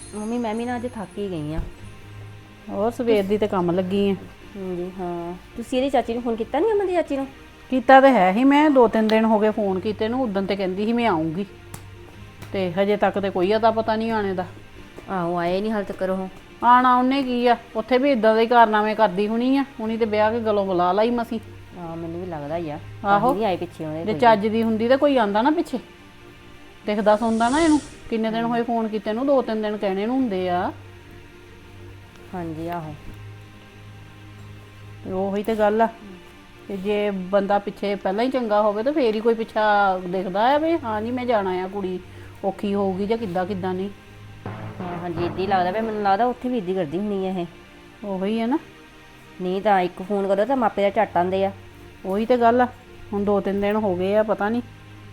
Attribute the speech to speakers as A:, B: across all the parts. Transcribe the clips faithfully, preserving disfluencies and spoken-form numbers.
A: Mummy ਮੈਂ ਵੀ ਨਾ ਅੱਜ ਥੱਕ ਹੀ ਗਈ ਆ।
B: ਹੋਰ ਸਵੇਰ ਦੀ ਤੇ ਕੰਮ ਲੱਗੀ ਆ।
A: ਹਾਂਜੀ ਹਾਂ, ਤੁਸੀਂ ਇਹਦੀ ਚਾਚੀ ਨੂੰ ਫੋਨ ਕੀਤਾ ਨਹੀਂ? ਅਮਨ ਦੀ ਚਾਚੀ ਨੂੰ
B: ਕੀਤਾ ਤੇ ਹੈ ਹੀ, ਮੈਂ ਦੋ ਤਿੰਨ ਦਿਨ ਹੋ ਗਏ ਫੋਨ ਕੀਤੇ ਨੂੰ। ਉਦੋਂ ਤੇ ਕਹਿੰਦੀ ਸੀ ਮੈਂ ਆਉਂਗੀ, ਤੇ ਹਜੇ ਤੱਕ ਤੇ ਕੋਈ ਅਤਾ ਪਤਾ ਨਹੀਂ ਆਣੇ ਦਾ।
A: ਆਹੋ ਆਏ ਨਹੀਂ ਹਾਲ ਤੱਕ ਉਹ।
B: ਆਣਾ ਉਹਨੇ ਕੀ ਆ, ਉੱਥੇ ਵੀ ਇਦਾਂ ਦੇ ਕਾਰਨਾਮੇ ਕਰਦੀ ਹੋਣੀ ਆ। ਹੁਣੀ ਤੇ ਵਿਆਹ ਕੇ ਗਲੋਂ ਬੁਲਾ ਲਈ ਮਸੀਂ।
A: ਹਾਂ ਮੈਨੂੰ ਵੀ ਲੱਗਦਾ ਹੀ ਆ।
B: ਆਹੋ
A: ਨਹੀਂ ਆਏ ਪਿੱਛੇ ਉਹਦੇ
B: ਜੇ
A: ਕੋਈ।
B: ਚੱਜ ਦੀ ਹੁੰਦੀ ਤੇ ਕੋਈ ਆਂਦਾ ਨਾ ਪਿੱਛੇ, ਦਿਖਦਾ ਸੁਣਦਾ ਨਾ ਇਹਨੂੰ। ਕਿੰਨੇ ਦਿਨ ਹੋਏ ਫੋਨ ਕੀਤੇ ਨੂੰ? ਦੋ ਤਿੰਨ ਦਿਨ ਕਹਿਣੇ ਨੂੰ ਹੁੰਦੇ ਆ।
A: ਹਾਂਜੀ ਆਹੋ
B: ਤੇ ਉਹੀ ਤੇ ਗੱਲ ਆ। ਤੇ ਜੇ ਬੰਦਾ ਪਿੱਛੇ ਪਹਿਲਾਂ ਹੀ ਚੰਗਾ ਹੋਵੇ ਤਾਂ ਫੇਰ ਹੀ ਕੋਈ ਪਿੱਛਾ ਦਿਖਦਾ ਆ ਵੀ ਹਾਂ ਜੀ ਮੈਂ ਜਾਣਾ ਆ, ਕੁੜੀ ਔਖੀ ਹੋਊਗੀ ਜਾਂ ਕਿੱਦਾਂ ਕਿੱਦਾਂ ਨਹੀਂ।
A: ਹਾਂ ਹਾਂਜੀ ਇੱਦਾਂ ਹੀ ਲੱਗਦਾ ਪਿਆ ਮੈਨੂੰ। ਲੱਗਦਾ ਉੱਥੇ ਵੀ ਇੱਦਾਂ ਕਰਦੀ ਹੁੰਦੀ ਆ ਇਹ।
B: ਉਹੀ ਹੈ ਨਾ,
A: ਨਹੀਂ ਤਾਂ ਇੱਕ ਫੋਨ ਕਰੋ ਤਾਂ ਮਾਪੇ ਦਾ ਝੱਟ ਆਉਂਦੇ ਆ।
B: ਉਹੀ ਤੇ ਗੱਲ ਆ। ਹੁਣ ਦੋ ਤਿੰਨ ਦਿਨ ਹੋ ਗਏ ਆ, ਪਤਾ ਨਹੀਂ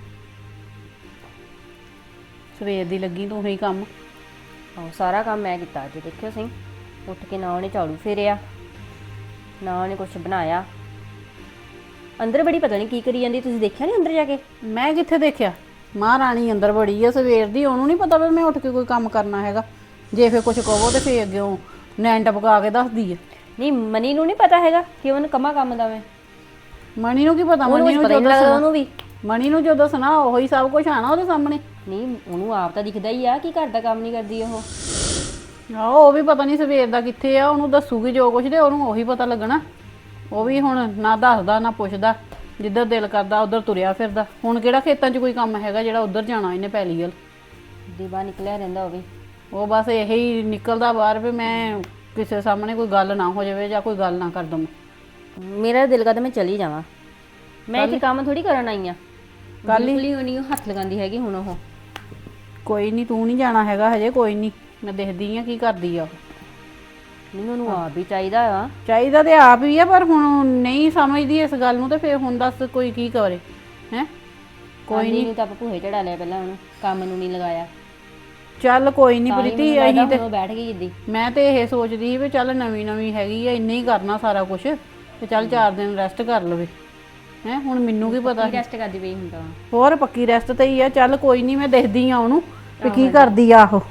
B: ਸਵੇਰ ਦੀ ਲੱਗੀ ਤੂੰ ਹੀ ਕੰਮ।
A: ਆਹੋ ਸਾਰਾ ਕੰਮ ਮੈਂ ਕੀਤਾ ਅੱਜ। ਦੇਖਿਓ ਸਹੀ, ਉੱਠ ਕੇ ਨਾ ਉਹਨੇ ਝਾੜੂ ਫੇਰਿਆ, ਨਾ ਉਹਨੇ ਕੁਛ ਬਣਾਇਆ। ਅੰਦਰ ਬੜੀ ਪਤਾ ਨਹੀਂ ਕੀ ਕਰੀ ਜਾਂਦੀ। ਤੁਸੀਂ ਦੇਖਿਆ ਨਹੀਂ ਅੰਦਰ ਜਾ ਕੇ?
B: ਮੈਂ ਕਿੱਥੇ ਦੇਖਿਆ? ਮਹਾਰਾਣੀ ਅੰਦਰ ਬੜੀ ਆ ਸਵੇਰ ਦੀ। ਉਹਨੂੰ ਨਹੀਂ ਪਤਾ ਵੀ ਮੈਂ ਉੱਠ ਕੇ ਕੋਈ ਕੰਮ ਕਰਨਾ ਹੈਗਾ। ਜੇ ਫੇਰ ਕੁਛ ਕਹੋ ਤੇ ਫੇਰ ਅੱਗਿਓਂ ਨੈਣ ਟਪਕਾ ਕੇ ਦੱਸਦੀ ਆ।
A: ਨਹੀਂ ਮਨੀ ਨੂੰ ਨਹੀਂ ਪਤਾ ਹੈਗਾ ਕਿ ਉਹਨੂੰ ਕੰਮਾਂ ਕੰਮ ਦਾ ਮੈਂ।
B: ਮਣੀ ਨੂੰ ਕੀ ਪਤਾ?
A: ਉਹਨੂੰ
B: ਮਣੀ
A: ਕੁਛ
B: ਨੂੰ
A: ਪਤਾ
B: ਜੋ
A: ਨਹੀਂ ਲੱਗਦਾ
B: ਦੱਸਣਾ,
A: ਉਹਨੂੰ ਵੀ।
B: ਮਣੀ ਨੂੰ ਜੋ ਦੱਸਣਾ ਉਹੀ ਸਭ ਕੁਝ ਆਣਾ ਉਹਦੇ ਸਾਹਮਣੇ।
A: ਨਹੀਂ ਉਹਨੂੰ ਆਪ ਤਾਂ ਦਿਖਦਾ ਹੀ ਆ ਕਿ ਘਰ ਦਾ ਕੰਮ ਨਹੀਂ ਕਰਦੀ ਉਹ।
B: ਆਹੋ ਉਹ ਵੀ ਪਤਾ ਨਹੀਂ ਸਵੇਰ ਦਾ ਕਿੱਥੇ ਆ। ਉਹਨੂੰ ਦੱਸੂਗੀ ਜੋ ਕੁਛ ਤੇ ਉਹਨੂੰ ਉਹੀ ਪਤਾ ਲੱਗਣਾ। ਉਹ ਵੀ ਹੁਣ ਨਾ ਦੱਸਦਾ ਨਾ ਪੁੱਛਦਾ, ਜਿੱਧਰ ਦਿਲ ਕਰਦਾ ਉਧਰ ਤੁਰਿਆ ਫਿਰਦਾ। ਹੁਣ ਕਿਹੜਾ ਖੇਤਾਂ 'ਚ ਕੋਈ ਕੰਮ ਹੈਗਾ ਜਿਹੜਾ ਉਧਰ ਜਾਣਾ ਇਹਨੇ ਪੈਲੀ ਵੱਲ।
A: ਦੀਵਾ ਨਿਕਲਿਆ ਰਹਿੰਦਾ ਉਹ ਵੀ।
B: ਉਹ ਬਸ ਇਹੀ ਨਿਕਲਦਾ ਬਾਹਰ ਵੀ ਮੈਂ ਕਿਸੇ ਸਾਹਮਣੇ ਕੋਈ ਗੱਲ ਨਾ ਹੋ ਜਾਵੇ ਜਾਂ ਕੋਈ ਗੱਲ ਨਾ ਕਰ ਦਵਾਂ।
A: ਮੇਰਾ ਦਿਲ ਕਰਦਾ ਮੈਂ ਚਲੀ ਜਾਵਾਂ। ਮੈਂ ਇੱਥੇ ਕੰਮ ਥੋੜੀ ਕਰਨ ਆਈ ਆ।
B: ਕੱਲ ਹੀ
A: ਬਿਲਕੁਲ ਹੀ ਉਹ ਨਹੀਂ ਹੱਥ ਲਗਾਉਂਦੀ ਹੈਗੀ ਹੁਣ ਉਹ।
B: ਕੋਈ ਨਹੀਂ, ਤੂੰ ਨਹੀਂ ਜਾਣਾ ਹੈਗਾ ਹਜੇ। ਕੋਈ ਨਹੀਂ, ਮੈਂ ਦੇਖਦੀ ਆ ਕੀ ਕਰਦੀ ਆ ਉਹ।
A: ਨਹੀਂ ਉਹਨੂੰ ਆਪ ਵੀ ਚਾਹੀਦਾ ਆ।
B: ਚਾਹੀਦਾ ਤੇ ਆਪ ਹੀ ਆ, ਪਰ ਹੁਣ ਨਹੀਂ ਸਮਝਦੀ ਇਸ ਗੱਲ ਨੂੰ। ਤੇ ਫਿਰ ਹੁਣ ਦੱਸ ਕੋਈ ਕੀ ਕਰੇ ਹੈ? ਕੋਈ ਨਹੀਂ
A: ਤਾਂ ਆਪਾਂ ਭੂਹੇ ਚੜਾ ਲਿਆ ਪਹਿਲਾਂ, ਉਹਨੂੰ ਕੰਮ ਨੂੰ ਨਹੀਂ ਲਗਾਇਆ।
B: ਚੱਲ ਕੋਈ ਨਹੀਂ
A: ਤਾਂ ਹੀ
B: ਪ੍ਰੀਤੀ,
A: ਮੈਨੂੰ
B: ਅਸੀਂ
A: ਲੱਗਦਾ
B: ਤੇ
A: ਹੁਣ ਉਹ ਬੈਠ ਗਈ ਜਿੱਦੀ।
B: ਮੈਂ ਤੇ ਇਹ ਸੋਚਦੀ ਸੀ ਵੀ ਚੱਲ ਨਵੀਂ ਨਵੀਂ ਹੈਗੀ ਆ, ਇੰਨੇ ਹੀ ਕਰਨਾ ਸਾਰਾ ਕੁਝ, ਤੇ ਚੱਲ ਚਾਰ ਦਿਨ ਰੈਸਟ ਕਰ ਲਵੇ ਹੈ। ਹੁਣ ਮੈਨੂੰ ਕੀ ਪਤਾ ਸੀ?
A: ਰੈਸਟ ਕਰਦੀ ਪਈ ਹੁੰਦਾ।
B: ਹੋਰ ਪੱਕੀ ਰੈਸਟ ਤੇ ਹੀ ਆ। ਚੱਲ ਕੋਈ ਨਹੀਂ, ਮੈਂ ਦੇਖਦੀ ਆ ਉਹਨੂੰ ਵੀ ਕੀ ਕਰਦੀ ਆ ਉਹ।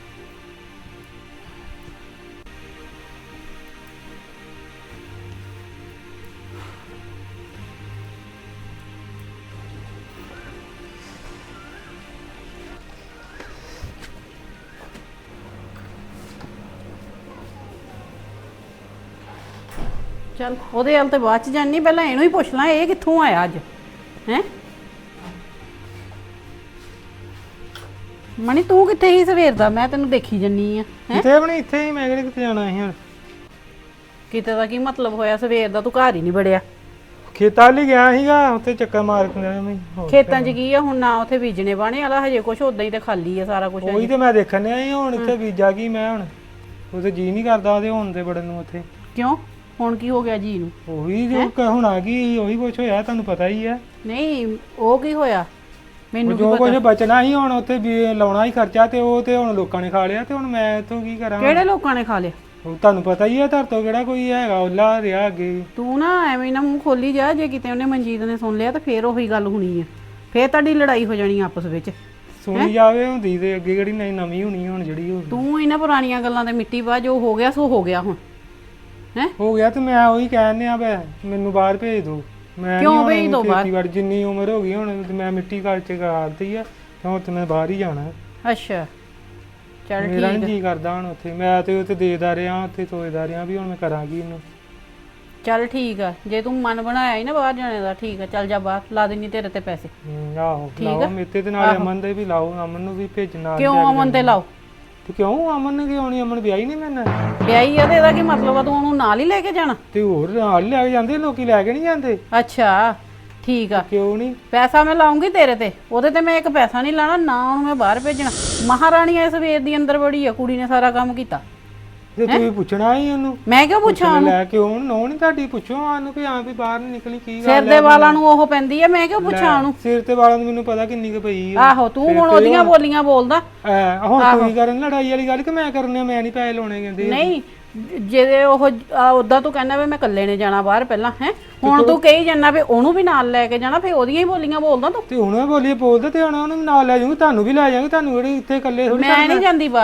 B: ਚੱਲ ਉਹਦੇ ਵੱਲ ਤੇ ਬਾਅਦ ਚ ਜਾਨੀ, ਪਹਿਲਾਂ ਇਹਨੂੰ ਹੀ ਪੁੱਛ ਲਾਂ ਇਹ ਕਿੱਥੋਂ ਆਇਆ ਅੱਜ ਹੈ। ਮਣੀ ਤੂੰ ਕਿੱਥੇ ਸੀ ਸਵੇਰ ਦਾ? ਮੈਂ ਤੈਨੂੰ ਦੇਖੀ ਜੰਨੀ ਆ।
C: ਕਿਤੇ ਵੀ ਨਹੀਂ, ਇੱਥੇ ਹੀ। ਮੈਂ ਕਿਹੜੇ ਕਿਤੇ ਜਾਣਾ ਸੀ ਹੁਣ।
B: ਕਿਤੇ ਦਾ ਕੀ ਮਤਲਬ ਹੋਇਆ? ਸਵੇਰ ਦਾ ਤੂੰ ਘਰ ਹੀ ਨਹੀਂ ਵੜਿਆ।
C: ਖੇਤਾਂ ਲਈ ਗਿਆ ਸੀਗਾ, ਉੱਥੇ ਚੱਕਰ ਮਾਰ ਕੇ ਆਇਆ ਮੈਂ। ਹੋਰ
B: ਖੇਤਾਂ 'ਚ ਕੀ ਆ ਹੁਣ? ਨਾ ਉੱਥੇ ਬੀਜਣੇ ਬਾਣੇ ਵਾਲਾ ਹਜੇ ਕੁਛ, ਉਦਾਂ ਹੀ ਤੇ ਖਾਲੀ ਆ ਸਾਰਾ ਕੁਝ।
C: ਉਹੀ ਤੇ ਮੈਂ ਦੇਖਣ ਡਿਆ ਸੀ। ਹੁਣ ਇੱਥੇ ਬੀਜਾ ਕੀ ਮੈਂ ਹੁਣ? ਉੱਥੇ ਜੀ ਨਹੀਂ ਕਰਦਾ ਉਹਦੇ ਹੁਣ ਤੇ ਬੜਨ ਨੂੰ ਉੱਥੇ।
B: ਕਿਉਂ? ਹੁਣ ਕੀ ਹੋ ਗਿਆ ਜੀ ਨੂੰ?
C: ਉਹੀ ਜੋ ਕ- ਹੁਣ ਆ ਗਈ, ਉਹੀ ਕੁਛ ਹੋਇਆ, ਤੁਹਾਨੂੰ ਪਤਾ ਹੀ ਆ।
B: ਨਹੀਂ ਉਹ ਕੀ ਹੋਇਆ ਮੈਨੂੰ ਕੀ
C: ਜੋ ਕੁਝ
B: ਪਤਾ?
C: ਬਚਣਾ ਸੀ ਹੁਣ ਉੱਥੇ ਵੀ ਲਾਉਣਾ ਹੀ ਖਰਚਾ, ਤੇ ਉਹ ਤੇ ਹੁਣ ਲੋਕਾਂ ਨੇ ਖਾ ਲਿਆ। ਤੇ ਹੁਣ ਮੈਂ ਇੱਥੋਂ ਕੀ ਕਰਾਂ?
B: ਕਿਹੜੇ ਲੋਕਾਂ ਨੇ ਖਾ ਲਿਆ?
C: ਉਹ ਤੁਹਾਨੂੰ ਪਤਾ ਹੀ ਆ, ਧਰ ਤੋਂ ਕਿਹੜਾ ਕੋਈ ਹੈਗਾ ਉਹਲਾ ਰਿਹਾ ਅੱਗੇ।
B: ਤੂੰ ਨਾ ਐਵੇਂ ਨਾ ਮੂੰਹ ਖੋਲੀ ਜਾ। ਜੇ ਕਿਤੇ ਉਹਨੇ ਮਨਜੀਤ ਨੇ ਸੁਣ ਲਿਆ ਤਾਂ ਫੇਰ ਉਹੀ ਗੱਲ ਹੋਣੀ ਆ। ਫੇਰ ਤੁਹਾਡੀ ਲੜਾਈ ਹੋ ਜਾਣੀ ਆਪਸ ਵਿੱਚ।
C: ਸੁਣੀ ਜਾਵੇ ਹੁੰਦੀ ਤੇ ਅੱਗੇ ਕਿਹੜੀ ਨਵੀਂ ਨਵੀਂ ਹੋਣੀ ਹੁਣ ਜਿਹੜੀ ਹੋ ਗਈ।
B: ਤੂੰ ਇਹਨਾਂ ਪੁਰਾਣੀਆਂ ਗੱਲਾਂ ਤੇ ਮਿੱਟੀ ਪਾ। ਜੋ ਹੋ ਗਿਆ ਸੋ ਹੋ ਗਿਆ ਹੁਣ ਹੈ।
C: ਹੋ ਗਿਆ ਤੇ ਮੈਂ ਉਹੀ ਕਹਿਣ ਆ ਬੈ ਮੈਨੂੰ ਬਾਹਰ ਭੇਜ ਦੋ। ਮੈਂ
B: ਕਿਉਂ
C: ਨੀ ਹੁਣ
B: ਭੇਜ ਦਿਓ ਬਾਹਰ?
C: ਖੇਤੀਬਾੜੀ ਜਿੰਨੀ ਉਮਰ ਹੋ ਗਈ ਹੁਣ ਤੇ ਮੈਂ ਮਿੱਟੀ ਘਰ ਚ ਕਰਦੀ ਆ, ਤੇ ਹੁਣ ਤੇ ਮੈਂ ਬਾਹਰ ਹੀ ਜਾਣਾ।
B: ਅੱਛਾ ਚੱਲ
C: ਮੇਰਾ
B: ਠੀਕ
C: ਨਹੀਂ
B: ਆ।
C: ਜੀ ਕਰਦਾ ਹੁਣ ਉੱਥੇ। ਮੈਂ ਤੇ ਉੱਥੇ ਦੇਦਾ ਰਿਹਾ, ਉੱਥੇ ਸੋਚਦਾ ਰਿਹਾ ਵੀ ਹੁਣ ਮੈਂ ਕਰਾਂਗੀ ਇਹਨੂੰ।
B: ਚੱਲ ਠੀਕ ਆ, ਜੇ ਤੂੰ ਮਨ ਬਣਾਇਆ ਹੀ ਨਾ ਬਾਹਰ ਜਾਣੇ ਦਾ, ਠੀਕ ਆ ਚੱਲ ਜਾ ਬਾਹਰ। ਲਾ ਦੇਣੀ ਤੇਰੇ ਤੇ ਪੈਸੇ।
C: ਹਮ, ਆਹੋ
B: ਠੀਕ
C: ਲਾਓ
B: ਆ?
C: ਮੇਤੇ ਤੇ ਨਾਲੇ ਅਮਨ ਦੇ ਵੀ ਲਾਓ। ਅਮਨ ਨੂੰ ਵੀ ਭੇਜਣਾ।
B: ਕਿਉਂ ਅਮਨ ਤੇ ਲਾਓ?
C: ਤੇ ਕਿਉਂ ਅਮਨ ਨੇ ਕਿਉਂ ਨਹੀਂ? ਅਮਨ ਵਿਆਹੀ ਨਹੀਂ ਮੈਨਾਂ।
B: ਵਿਆਹੀ ਆ ਤੇ ਇਹਦਾ ਕੀ ਮਤਲਬ ਆ? ਤੂੰ ਉਹਨੂੰ ਨਾਲ ਹੀ ਲੈ ਕੇ ਜਾਣਾ?
C: ਤੇ ਹੋਰ ਨਾਲ ਹੀ ਲੈ ਕੇ ਜਾਂਦੇ ਲੋਕੀ, ਲੈ ਕੇ ਨਹੀਂ ਜਾਂਦੇ।
B: ਅੱਛਾ ਠੀਕ ਆ।
C: ਕਿਉਂ ਨਹੀਂ?
B: ਪੈਸਾ ਮੈਂ ਲਾਉਂਗੀ ਤੇਰੇ ਤੇ, ਉਹਦੇ ਤੇ ਮੈਂ ਇੱਕ ਪੈਸਾ ਨਹੀਂ ਲਾਣਾ ਨਾ। ਉਹਨੂੰ ਮੈਂ ਬਾਹਰ ਭੇਜਣਾ। ਮਹਾਰਾਣੀ ਐ ਸਵੇਰ ਦੀ ਅੰਦਰ ਬੜੀ ਆ, ਕੁੜੀ ਨੇ ਸਾਰਾ ਕੰਮ ਕੀਤਾ।
C: ਤੇ ਤੁਸੀਂ ਪੁੱਛਣਾ ਹੀ ਉਹਨੂੰ।
B: ਮੈਂ ਕਿਉਂ ਪੁੱਛਾਂ
C: ਪੁੱਛਣ
B: ਉਹਨੂੰ?
C: ਲੈ ਕੇ ਉਹਨੂੰ ਨੋ ਨਹੀਂ ਤੁਹਾਡੀ ਪੁੱਛੋ ਆਨੂੰ ਵੀ ਹਾਂ ਵੀ ਬਾਹਰ ਨਹੀਂ ਨਿਕਲੀ ਕੀ
B: ਸਿਰ
C: ਗੱਲ
B: ਦੇ
C: ਹੈ।
B: ਵਾਲਾਂ ਨੂੰ ਉਹ ਪੈਂਦੀ ਆ, ਮੈਂ ਕਿਉਂ ਪੁੱਛਾਂ ਉਹਨੂੰ?
C: ਸਿਰ ਤੇ ਵਾਲਾਂ ਨੂੰ ਮੈਨੂੰ ਪਤਾ ਕਿੰਨੀ ਕੁ ਪਈ ਆ।
B: ਆਹੋ ਤੂੰ ਹੁਣ ਉਹਦੀਆਂ ਬੋਲੀਆਂ ਬੋਲਦਾ।
C: ਐ ਹੁਣ ਤੁਸੀਂ ਕਰਨ ਲੜਾਈ ਵਾਲੀ ਗੱਲ ਕਿ ਮੈਂ ਕਰਨੇ? ਮੈਂ ਨਹੀਂ ਪੈਸੇ ਲਾਉਣੇ ਕਹਿੰਦੇ।
B: ਨਹੀਂ ਜੇ ਉਹ ਉਦਾਂ ਤੂੰ ਕਹਿੰਦਾ ਵੀ ਮੈਂ ਇਕੱਲੇ ਨੇ ਜਾਣਾ ਬਾਹਰ ਪਹਿਲਾਂ ਹੈ, ਹੁਣ ਤੂੰ ਕਹੀ ਜਾਂਦਾ ਵੀ ਉਹਨੂੰ ਵੀ ਨਾਲ ਲੈ ਕੇ ਜਾਣਾ, ਫੇ ਉਹਦੀਆਂ ਹੀ ਬੋਲੀਆਂ ਬੋਲਦਾ ਤੂੰ।
C: ਤੇ ਹੁਣ ਬੋਲੀਏ ਬੋਲਦੇ ਤੇ ਹੁਣ ਉਹਨੂੰ ਨਾਲ ਲੈ ਜਾਊਂਗੀ, ਤੁਹਾਨੂੰ ਵੀ ਲੈ ਜਾਵਾਂਗੇ। ਤੁਹਾਨੂੰ ਕਿਹੜੀ ਇੱਥੇ ਇਕੱਲੇ ਥੋੜੀ
B: ਮੈਂ ਨਹੀਂ ਜਾਂਦੀ ਬਾਹਰ।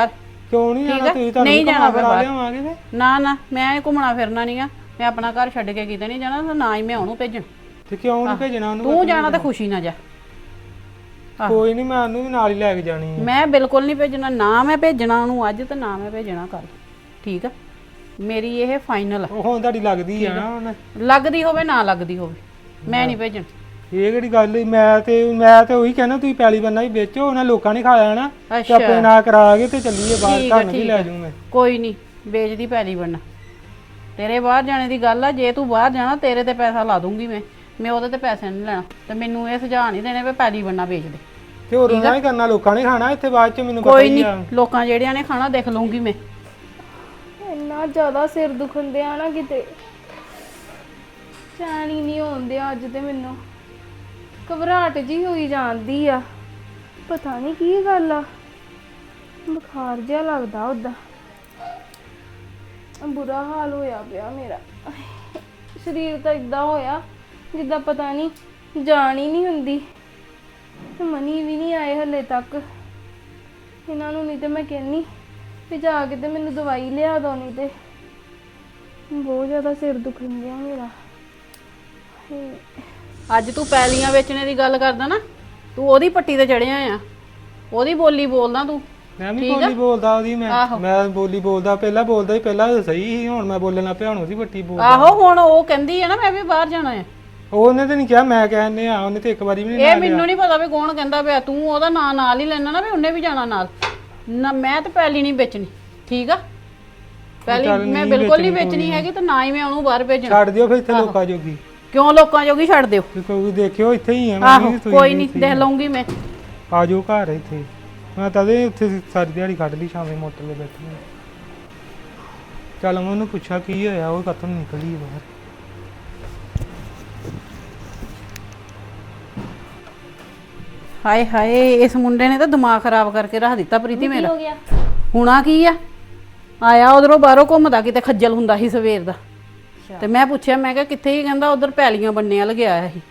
C: ਕਿਉਂ ਨਹੀਂ ਜਾਣਾ ਤੁਸੀਂ ਤੁਹਾਨੂੰ
B: ਨਹੀਂ ਜਾਣਾ ਫਿਰ ਬਾਹਰ।
C: ਲਿਆਵਾਂਗੇ ਤੇ
B: ਨਾ ਨਾ ਮੈਂ ਘੁੰਮਣਾ ਫਿਰਨਾ ਨਹੀਂ ਆ, ਮੈਂ ਆਪਣਾ ਘਰ ਛੱਡ ਕੇ ਕਿਤੇ ਨਹੀਂ ਜਾਣਾ, ਨਾ ਹੀ ਮੈਂ ਉਹਨੂੰ ਭੇਜਣ।
C: ਤੇ ਕਿਉਂ ਨਹੀਂ ਭੇਜਣਾ ਉਹਨੂੰ?
B: ਤੂੰ ਜਾਣਾ ਤਾਂ ਖੁਸ਼ੀ ਨਾ ਜਾ।
C: ਕੋਈ ਨਹੀਂ, ਮੈਂ ਉਹਨੂੰ ਵੀ ਨਾਲ ਹੀ ਲੈ ਕੇ ਜਾਣੀ ਹੈ।
B: ਮੈਂ ਬਿਲਕੁਲ ਨਹੀਂ ਭੇਜਣਾ, ਨਾ ਮੈਂ ਭੇਜਣਾ ਉਹਨੂੰ ਅੱਜ ਤੇ ਨਾ ਮੈਂ ਭੇਜਣਾ ਕੱਲ, ਠੀਕ ਆ? ਮੇਰੀ ਇਹ ਫਾਈਨਲ ਆ।
C: ਉਹ ਹੁਣ ਤੁਹਾਡੀ ਲੱਗਦੀ ਆ ਨਾ ਹੁਣ।
B: ਲੱਗਦੀ ਹੋਵੇ ਨਾ ਲੱਗਦੀ ਹੋਵੇ, ਮੈਂ ਨਹੀਂ ਭੇਜਣ।
C: ਇਹ ਕਿਹੜੀ ਗੱਲ ਹੋਈ? ਮੈਂ ਤੇ ਮੈਂ ਤੇ ਉਹੀ ਕਹਿਣਾ, ਤੁਸੀਂ ਪੈਲੀ ਬੰਨਾ ਹੀ ਵੇਚੋ, ਉਹਨਾਂ ਲੋਕਾਂ ਨੇ ਖਾ ਲੈਣਾ ਤੇ ਆਪਣੇ ਨਾਲ ਕਰਾ ਕੇ ਤੇ ਚੱਲੀਏ ਬਾਹਰ, ਤੁਹਾਨੂੰ ਵੀ ਲੈ ਜਾਊਂ ਮੈਂ।
B: ਕੋਈ ਨਹੀਂ, ਵੇਚਦੀ ਪੈਲੀ ਬੰਨਾ। ਤੇਰੇ ਬਾਹਰ ਜਾਣੇ ਦੀ ਗੱਲ ਆ, ਜੇ ਤੂੰ ਬਾਹਰ ਜਾਣਾ ਤੇਰੇ ਤੇ ਪੈਸਾ ਲਾ ਦੂੰਗੀ ਮੈਂ ਮੈਂ ਉਹਦੇ ਤੇ ਪੈਸੇ ਨਹੀਂ ਲੈਣਾ। ਤੇ ਮੈਨੂੰ ਇਹ ਸੁਝਾਅ ਨਹੀਂ ਦੇਣੇ ਵੀ ਪੈਲੀ ਬੰਨਾ ਵੇਚ ਦੇ।
C: ਤੇ ਹੋਰ ਉਹਨਾਂ ਹੀ ਕਰਨਾ, ਲੋਕਾਂ ਨੇ ਖਾਣਾ ਇੱਥੇ ਬਾਅਦ ਚ, ਮੈਨੂੰ ਪਤਾ
B: ਕੋਈ
C: ਹੀ
B: ਨਹੀਂ,
C: ਆ।
B: ਲੋਕਾਂ ਜਿਹੜਿਆਂ ਨੇ ਖਾਣਾ ਦੇਖ ਲਊਂਗੀ ਮੈਂ।
A: ਇੰਨਾ ਜ਼ਿਆਦਾ ਸਿਰ ਦੁਖਦੇ ਆ ਨਾ, ਕਿਤੇ ਚੈਨ ਹੀ ਨਹੀਂ ਆਉਂਦੇ ਅੱਜ ਤੇ। ਮੈਨੂੰ ਘਬਰਾਹਟ ਜੀ ਹੋਈ ਜਾਂਦੀ ਆ, ਪਤਾ ਨਹੀਂ ਕੀ ਗੱਲ ਆ, ਬੁਖਾਰ ਜਿਹਾ ਲੱਗਦਾ ਉਦਾਂ। ਬੁਰਾ ਹਾਲ ਹੋਇਆ ਪਿਆ ਮੇਰਾ, ਸਰੀਰ ਤਾਂ ਇਦਾਂ ਹੋਇਆ ਜਿੱਦਾਂ ਪਤਾ ਨਹੀਂ ਜਾਨ ਹੀ ਨਹੀਂ ਹੁੰਦੀ। ਤੇ ਮਨੀ ਵੀ ਨਹੀਂ ਆਏ ਹਲੇ ਤੱਕ, ਇਹਨਾਂ ਨੂੰ ਨਹੀਂ ਤੇ ਮੈਂ ਕਹਿੰਨੀ ਵੀ ਜਾ ਕੇ ਤੇ ਮੈਨੂੰ ਦਵਾਈ ਲਿਆ ਦੋ, ਨਹੀਂ ਤੇ ਬਹੁਤ ਜ਼ਿਆਦਾ ਸਿਰ ਦੁਖਣ ਗਿਆ ਮੇਰਾ।
B: ਅੱਜ ਤੂੰ ਪੈਲੀਆਂ ਵੇਚਣੇ ਦੀ ਗੱਲ ਕਰਦਾ ਨਾ, ਤੂੰ ਉਹਦੀ ਪੱਟੀ ਤੇ ਚੜਿਆ ਆ, ਉਹਦੀ ਬੋਲੀ ਬੋਲਦਾ ਤੂੰ।
C: ਮੈਂ ਵੀ ਬੋਲੀ ਬੋਲਦਾ ਉਹਦੀ, ਮੈਂ ਮੈਂ ਬੋਲੀ ਬੋਲਦਾ, ਪਹਿਲਾਂ ਬੋਲਦਾ ਹੀ, ਪਹਿਲਾਂ ਸਹੀ ਸੀ, ਹੁਣ ਮੈਂ ਬੋਲਣ ਲੱਗ ਪਿਆ, ਹੁਣ ਉਹਦੀ ਪੱਟੀ ਬੋਲਦਾ।
B: ਆਹੋ ਹੁਣ ਉਹ ਕਹਿੰਦੀ ਆ ਨਾ ਮੈਂ ਵੀ ਬਾਹਰ ਜਾਣਾ ਆ।
C: ਉਹਨੇ ਤੇ ਨਹੀਂ ਕਿਹਾ, ਮੈਂ ਕਹਿੰਨੇ ਆ, ਉਹਨੇ ਤੇ ਇੱਕ ਵਾਰੀ ਵੀ ਨਹੀਂ।
B: ਇਹ ਮੈਨੂੰ ਨਹੀਂ ਪਤਾ ਵੀ ਕੌਣ ਕਹਿੰਦਾ ਪਿਆ, ਤੂੰ ਉਹਦਾ ਨਾਂ ਨਾਲ ਹੀ ਲੈਣਾ ਨਾ ਵੀ ਉਹਨੇ ਵੀ ਜਾਣਾ ਨਾਲ ਨਾ। ਮੈਂ ਤੇ ਪੈਲੀ ਨਹੀਂ ਵੇਚਣੀ, ਠੀਕ ਆ? ਪੈਲੀ ਮੈਂ ਬਿਲਕੁਲ ਨਹੀਂ ਵੇਚਣੀ ਹੈਗੀ, ਤੇ ਨਾ ਹੀ ਮੈਂ ਉਹਨੂੰ ਬਾਹਰ ਭੇਜਣਾ।
C: ਛੱਡ ਦਿਓ ਫਿਰ ਇੱਥੇ ਲੋਕਾਂ ਜੋਗੀ।
B: ਕਿਉਂ ਲੋਕਾਂ ਜੋਗੀ ਛੱਡ ਦਿਓ?
C: ਕੋਈ ਦੇਖਿਓ ਇੱਥੇ ਹੀ ਆ
B: ਆਹੋ ਕੋਈ ਨਹੀਂ, ਦੇਖ ਲਊਂਗੀ ਮੈਂ।
C: ਆ ਜਾਓ ਘਰ ਇੱਥੇ, ਮੈਂ ਤਦੇ ਉੱਥੇ ਸਾਰੀ ਦਿਹਾੜੀ ਕੱਢ ਲਈ, ਸ਼ਾਮੇ ਮੋਟਰ 'ਤੇ ਬੈਠੀ। ਚੱਲ ਮੈਂ ਉਹਨੂੰ ਪੁੱਛਿਆ ਕੀ ਹੋਇਆ, ਉਹ ਕਦੋਂ ਨਿਕਲੀ ਬਾਹਰ।
B: ਹਾਏ ਹਾਏ, ਇਸ ਮੁੰਡੇ ਨੇ ਤਾਂ ਦਿਮਾਗ ਖਰਾਬ ਕਰਕੇ ਰੱਖ ਦਿੱਤਾ ਪ੍ਰੀਤੀ ਮੇਰਾ।
A: ਹੋ ਗਿਆ?
B: ਹੁਣਾ ਕੀ ਆ, ਆਇਆ ਉਧਰੋਂ ਬਾਹਰੋਂ ਘੁੰਮਦਾ, ਕਿਤੇ ਖੱਜਲ ਹੁੰਦਾ ਸੀ ਸਵੇਰ ਦਾ। ਤੇ ਮੈਂ ਪੁੱਛਿਆ, ਮੈਂ ਕਿਹਾ ਕਿੱਥੇ? ਹੀ ਕਹਿੰਦਾ ਉਧਰ ਪੈਲੀਆਂ ਬੰਨੇ ਵੱਲ ਗਿਆ ਸੀ।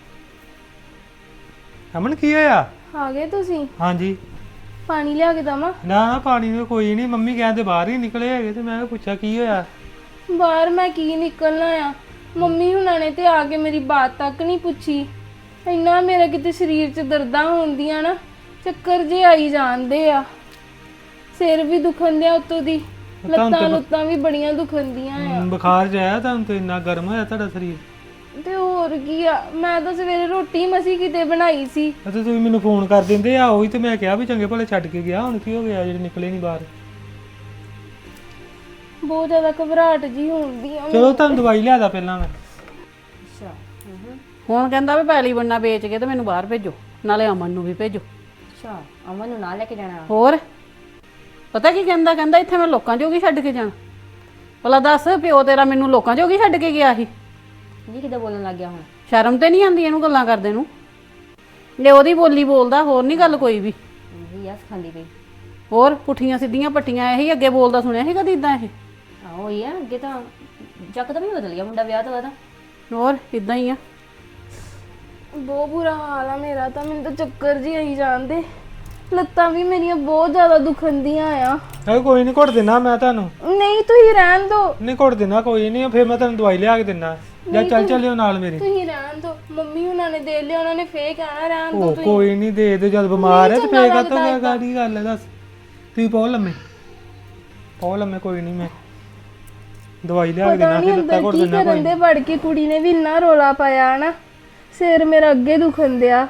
C: ਅਮਨ ਕੀ ਹੋਇਆ?
A: ਆ ਗਏ ਤੁਸੀਂ?
C: ਹਾਂਜੀ।
A: ਪਾਣੀ ਲਿਆ ਕੇ ਦਵਾਂ?
C: ਨਾ ਪਾਣੀ ਨੂੰ ਕੋਈ ਨਹੀਂ, ਮੰਮੀ ਕਹਿੰਦੇ ਬਾਹਰ ਹੀ ਨਿਕਲੇ ਹੈਗੇ, ਤੇ ਮੈਂ ਪੁੱਛਿਆ ਕੀ ਹੋਇਆ।
A: ਬਾਹਰ ਮੈਂ ਕੀ ਨਿਕਲਣਾ ਆ, ਮੰਮੀ ਹੁਣਾਂ ਨੇ ਤੇ ਆ ਕੇ ਮੇਰੀ ਬਾਤ ਤੱਕ ਨਹੀਂ ਪੁੱਛੀ। ਇੰਨਾ ਮੇਰਾ ਕਿਤੇ ਸਰੀਰ 'ਚ ਦਰਦਾਂ ਹੁੰਦੀਆਂ ਨਾ, ਚੱਕਰ ਜੇ ਆਈ ਜਾਂਦੇ ਆ, ਸਿਰ ਵੀ ਦੁਖਣ ਦਿਆ ਉੱਤੋਂ ਦੀ, ਲੱਤਾਂ ਲੁੱਤਾਂ ਵੀ ਬੜੀਆਂ ਦੁਖੰਦੀਆਂ ਆ।
C: ਬੁਖਾਰ ਜਿਹਾ ਤੁਹਾਨੂੰ ਤੇ ਇੰਨਾ ਗਰਮ ਹੋਇਆ ਤੁਹਾਡਾ ਸਰੀਰ?
A: ਤੇ ਹੋਰ ਕੀ ਆ, ਮੈਂ ਤਾਂ ਸਵੇਰੇ ਰੋਟੀ ਮਸੀ ਕਿਤੇ ਬਣਾਈ ਸੀ।
C: ਤੇ ਤੁਸੀਂ ਮੈਨੂੰ ਫੋਨ ਕਰ ਦਿੰਦੇ ਆ, ਉਹੀ ਤੇ ਮੈਂ ਕਿਹਾ ਵੀ ਚੰਗੇ ਭਲੇ ਛੱਡ ਕੇ ਗਿਆ, ਹੁਣ ਕੀ ਹੋ ਗਿਆ ਜਿਹੜੇ ਨਿਕਲੇ ਨਹੀਂ ਬਾਹਰ?
A: ਬਹੁਤ ਜ਼ਿਆਦਾ ਘਬਰਾਹਟ ਜੀ ਹੁੰਦੀ ਆ।
C: ਚਲੋ ਤੁਹਾਨੂੰ ਦਵਾਈ ਲਿਆਦਾ ਪਹਿਲਾਂ ਮੈਂ।
A: ਅੱਛਾ,
B: ਹੁਣ ਕਹਿੰਦਾ ਵੀ ਪੈਲੀ ਬੰਨਾ ਵੇਚ ਕੇ ਤੇ ਮੈਨੂੰ ਬਾਹਰ ਭੇਜੋ, ਨਾਲੇ ਅਮਨ ਨੂੰ ਵੀ ਭੇਜੋ।
A: ਅੱਛਾ, ਅਮਨ ਨੂੰ ਨਾਲ ਲੈ ਕੇ ਜਾਣਾ?
B: ਹੋਰ ਪਤਾ ਕੀ ਕਹਿੰਦਾ? ਕਹਿੰਦਾ ਇੱਥੇ ਮੈਂ ਲੋਕਾਂ ਜੋਗੀ ਛੱਡ ਕੇ ਜਾਣਾ। ਭਲਾ ਦੱਸ, ਪਿਓ ਤੇਰਾ ਮੈਨੂੰ ਲੋਕਾਂ ਜੋਗੀ ਛੱਡ ਕੇ ਗਿਆ ਸੀ
A: ਜੀ? ਕਿੱਦਾਂ ਬੋਲਣ ਲੱਗ ਗਿਆ ਹੁਣ?
B: ਸ਼ਰਮ ਤੇ ਨਹੀਂ ਆਉਂਦੀ ਇਹਨੂੰ ਗੱਲਾਂ ਕਰਦੇ ਨੂੰ? ਲੈ ਉਹਦੀ ਬੋਲੀ ਬੋਲਦਾ, ਹੋਰ ਨਹੀਂ ਗੱਲ ਕੋਈ ਵੀ।
A: ਇਹ ਆ ਸਿਖਾਉਂਦੀ ਪਈ।
B: ਹੋਰ ਪੁੱਠੀਆਂ ਸਿੱਧੀਆਂ ਪੱਟੀਆਂ ਇਹੀ ਅੱਗੇ ਬੋਲਦਾ ਸੁਣਿਆ ਸੀ ਕਦੀ ਇਦਾਂ? ਇਹ
A: ਆਹੋ ਹੀ ਆ, ਅੱਗੇ ਤਾਂ ਜੱਕਦਮ ਹੀ ਬਦਲ ਗਿਆ ਮੁੰਡਾ ਵਿਆਹ ਤੋਂ ਬਾਅਦ।
B: ਹੋਰ ਇਦਾਂ ਹੀ ਆ।
A: ਬਹੁਤ ਬੁਰਾ ਹਾਲ ਆ ਮੇਰਾ ਤਾਂ, ਮੈਨੂੰ ਤਾਂ ਚੱਕਰ ਜੀ ਆਈ ਜਾਂਦੇ, ਲੱਤਾਂ ਵੀ ਮੇਰੀਆਂ ਬਹੁਤ ਜ਼ਿਆਦਾ ਦੁਖੰਦੀਆਂ ਆ।
C: ਇਹ ਕੋਈ ਨਹੀਂ, ਘੁੱਟ ਦੇਣਾ ਮੈਂ ਤੁਹਾਨੂੰ।
A: ਨਹੀਂ ਤੁਸੀਂ ਰਹਿਣ ਦਿਓ।
C: ਨਹੀਂ ਘੁੱਟ ਦੇਣਾ ਕੋਈ ਨਹੀਂ, ਫਿਰ ਮੈਂ ਤੁਹਾਨੂੰ ਦਵਾਈ ਲਿਆ ਕੇ ਦਿੰਦਾ, ਜਾਂ ਚੱਲ ਚੱਲਿਓ ਨਾਲ ਮੇਰੇ।
A: ਤੁਸੀਂ ਰਹਿਣ ਦਿਓ, ਮੰਮੀ ਉਹਨਾਂ ਨੇ ਦੇ ਲਿਆ, ਉਹਨਾਂ ਨੇ ਫੇਰ ਕਹਿਣਾ ਰਹਿਣ ਦਿਓ
C: ਉਹ
A: ਤੁਸੀਂ।
C: ਕੋਈ ਨਹੀਂ, ਦੇ ਦੇ, ਜਦ ਬਿਮਾਰ ਹੈ ਤੇ ਫੇਰ ਕਾਤੋਂ ਕਿਆ ਕਾਦੀ ਗੱਲ ਹੈ ਦੱਸ। ਤੁਸੀਂ ਪਾਓ ਲੰਮੇ, ਪਾਓ ਲੰਮੇ, ਕੋਈ ਨਹੀਂ ਮੈਂ ਦਵਾਈ ਲਿਆ ਕੇ ਦੇਣਾ, ਫਿਰ ਲੱਤਾਂ ਘੁੱਟ ਦੇਣਾ।
A: ਕੀ ਕਰਨ ਦੇ ਵੜ ਕੇ ਕੁੜੀ ਨੇ ਵੀ ਇੰਨਾ ਰੋਲਾ ਪਾਇਆ ਨਾ, ਸਿਰ ਮੇਰਾ ਅੱਗੇ ਦੁਖਣ ਦਿਆ।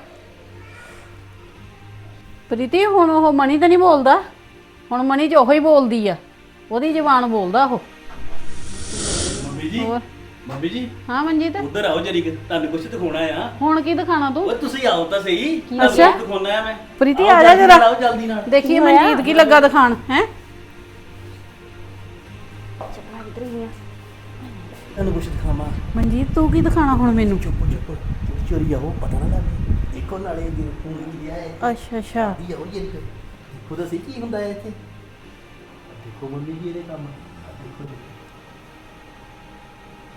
B: ਪ੍ਰੀਤੀ ਹੁਣ ਉਹ ਮਣੀ ਤਾਂ ਨਹੀਂ ਬੋਲਦਾ, ਹੁਣ ਮਣੀ 'ਚ ਉਹੋ ਹੀ ਬੋਲਦੀ ਆ, ਉਹਦੀ ਜ਼ਬਾਨ ਬੋਲਦਾ ਉਹ।
D: ਮੰਮੀ ਜੀ,
B: ਹੋਰ
D: ਮੰਮੀ ਜੀ
B: ਹਾਂ ਮਨਜੀਤ,
D: ਉਧਰ ਆਓ ਜਰੀ, ਤੁਹਾਨੂੰ ਕੁਝ ਦਿਖਾਉਣਾ ਆ।
B: ਹੁਣ ਕੀ ਦਿਖਾਣਾ ਤੂੰ?
D: ਓਏ ਤੁਸੀਂ ਆਓ ਤਾਂ ਸਹੀ,
B: ਅੱਛਾ
D: ਦਿਖਾਉਣਾ ਆ ਮੈਂ।
B: ਪ੍ਰੀਤੀ
D: ਆਓ
B: ਆ ਜਾ
D: ਜਲਦੀ
B: ਜਰਾ,
D: ਨਾਲ, ਆਓ ਜਲਦੀ ਨਾਲ।
B: ਦੇਖੀਏ ਮਨਜੀਤ ਕੀ ਲੱਗਾ ਦਿਖਾਣ ਹੈ।
D: ਤੁਹਾਨੂੰ ਕੁਝ ਦਿਖਾਵਾਂ।
B: ਮਨਜੀਤ ਤੂੰ ਕੀ ਦਿਖਾਣਾ ਹੁਣ ਮੈਨੂੰ?
D: ਚੁੱਪ ਚੁੱਪ ਚੋਰੀ ਆਓ, ਪਤਾ ਨਾ ਲੱਗੇ। ਦੇਖੋ ਨਾਲੇ ਜੀ ਫੋਨ ਕੀ ਲਿਆ ਹੈ।
B: ਅੱਛਾ ਅੱਛਾ,
D: ਦੀ ਆਓ ਜਰੀ, ਦੇਖੋ ਤਾਂ ਸਹੀ ਕੀ ਹੁੰਦਾ ਹੈ ਇੱਥੇ। ਦੇਖੋ ਮੰਮੀ ਜੀ ਇਹਦੇ ਕੰਮ, ਦੇਖੋ ਦੇਖੋ।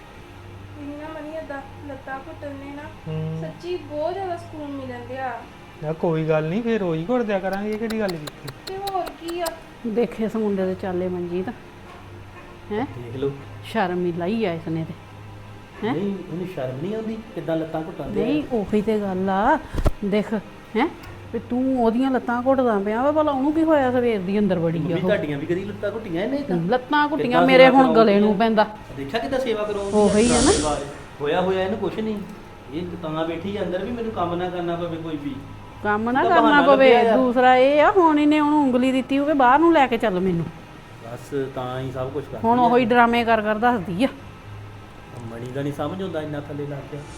A: ਇਹਨਾਂ ਮਨੀ ਏਦਾਂ ਲੱਤਾਂ ਘੁੱਟਣ ਨੇ ਨਾ, ਸੱਚੀ ਬਹੁਤ ਜ਼ਿਆਦਾ ਸਕੂਨ ਮਿਲਣ ਦਿਆ।
C: ਯਾ ਕੋਈ ਗੱਲ ਨਹੀਂ ਫੇਰ ਰੋਈ ਘੁੱਟ ਦਿਆ ਕਰਾਂਗੇ, ਇਹ ਕਿਹੜੀ ਗੱਲ ਕੀਤੀ।
A: ਤੇ ਹੋਰ ਕੀ ਆ,
B: ਦੇਖੇ ਇਸ ਮੁੰਡੇ ਦੇ ਚਾਲੇ ਮਨਜੀਤ ਹੈ,
D: ਦੇਖ ਲਓ।
B: ਸ਼ਰਮ ਹੀ ਲਾਈ ਆ ਇਸਨੇ ਤੇ ਹੈਂ?
D: ਨਹੀਂ ਉਹਨੂੰ ਸ਼ਰਮ ਨਹੀਂ ਆਉਂਦੀ ਕਿੱਦਾਂ ਲੱਤਾਂ ਘੁੱਟਾਂਦੇ
B: ਨਹੀਂ ਉਹੀ ਤੇ ਗੱਲ ਆ। ਦੇਖ ਹੈ ਵੀ ਤੂੰ ਉਹਦੀਆਂ ਲੱਤਾਂ ਘੁੱਟਦਾ ਪਿਆ ਵਾ, ਭਲਾ ਉਹਨੂੰ ਕੀ ਹੋਇਆ ਸਵੇਰ ਦੀ ਅੰਦਰ ਬੜੀ ਆ
D: ਮੰਮੀ
B: ਉਹ।
D: ਤੁਹਾਡੀਆਂ ਵੀ ਕਦੀ ਲੱਤਾਂ ਘੁੱਟੀਆਂ ਇਹਨੇ ਤਾਂ
B: ਲੱਤਾਂ ਘੁੱਟੀਆਂ
D: ਕਿੱਦਾਂ
B: ਮੇਰੇ
D: ਸੇਵਾ
B: ਹੁਣ ਗਲੇ ਨੂੰ
D: ਕਰਾਉਂਦੀ
B: ਪੈਂਦਾ।
D: ਦੇਖਿਆ ਕਿੱਦਾਂ ਸੇਵਾ ਕਰਾਉਂਦੀ
B: ਉਹੀ ਆ ਨਾ।
D: ਹੋਇਆ ਹੋਇਆ ਇਹਨੂੰ ਕੁਛ ਨਹੀਂ, ਇਹ ਤਾਂ ਬੈਠੀ ਆ ਅੰਦਰ ਵੀ ਮੈਨੂੰ ਕੰਮ ਨਾ ਕਰਨਾ ਪਵੇ ਕੋਈ ਵੀ।
B: ਕੰਮ ਨਾ
D: ਉਹਦਾ
B: ਕਰਨਾ
D: ਬਹਾਨਾ
B: ਪਵੇ।
D: ਲੱਭਿਆ ਆ।
B: ਦੂਸਰਾ ਇਹ ਆ ਹੁਣ ਇਹਨੇ ਉਹਨੂੰ ਉਂਗਲੀ ਦਿੱਤੀ ਹੋਵੇ ਬਾਹਰ ਨੂੰ ਲੈ ਕੇ ਚੱਲ ਮੈਨੂੰ,
D: ਬਸ ਤਾਂ ਹੀ ਸਭ ਕੁਝ ਕਰਦੀ
B: ਹੁਣ
D: ਆ।
B: ਉਹੀ ਡਰਾਮੇ ਕਰ ਕਰ ਦੱਸਦੀ ਆ।
D: ਮਣੀ ਦਾ ਨਹੀਂ ਸਮਝ ਆਉਂਦਾ ਇੰਨਾ ਥੱਲੇ ਲੱਗ ਗਿਆ।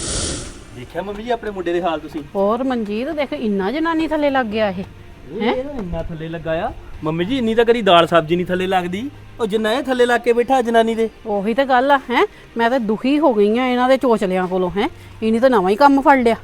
D: ਦੇਖਿਆ ਮੰਮੀ ਜੀ ਆਪਣੇ ਮੁੰਡੇ ਦੇ ਹਾਲ ਤੁਸੀਂ?
B: ਹੋਰ ਮਨਜੀਤ ਦੇਖ ਇੰਨਾ ਜਨਾਨੀ ਥੱਲੇ ਲੱਗ ਗਿਆ ਇਹ।
D: ਇਹ ਤਾਂ ਇੰਨਾ ਥੱਲੇ ਲੱਗਾ ਆ ਮੰਮੀ ਜੀ, ਇੰਨੀ ਤਾਂ ਕਦੀ ਦਾਲ ਸਬਜ਼ੀ ਨਹੀਂ ਥੱਲੇ ਲੱਗਦੀ, ਉਹ ਜਿੰਨਾ ਇਹ ਥੱਲੇ ਲੱਗ ਕੇ ਬੈਠਾ ਜਨਾਨੀ ਦੇ।
B: ਉਹੀ ਤਾਂ ਗੱਲ ਆ ਹੈ, ਮੈਂ ਤਾਂ ਦੁਖੀ ਹੋ ਗਈ ਆ ਇਹਨਾਂ ਦੇ ਚੋਚਲਿਆਂ ਕੋਲੋਂ ਹੈ। ਇਹਨੇ ਤਾਂ ਨਵਾਂ ਹੀ ਕੰਮ ਫੜ ਲਿਆ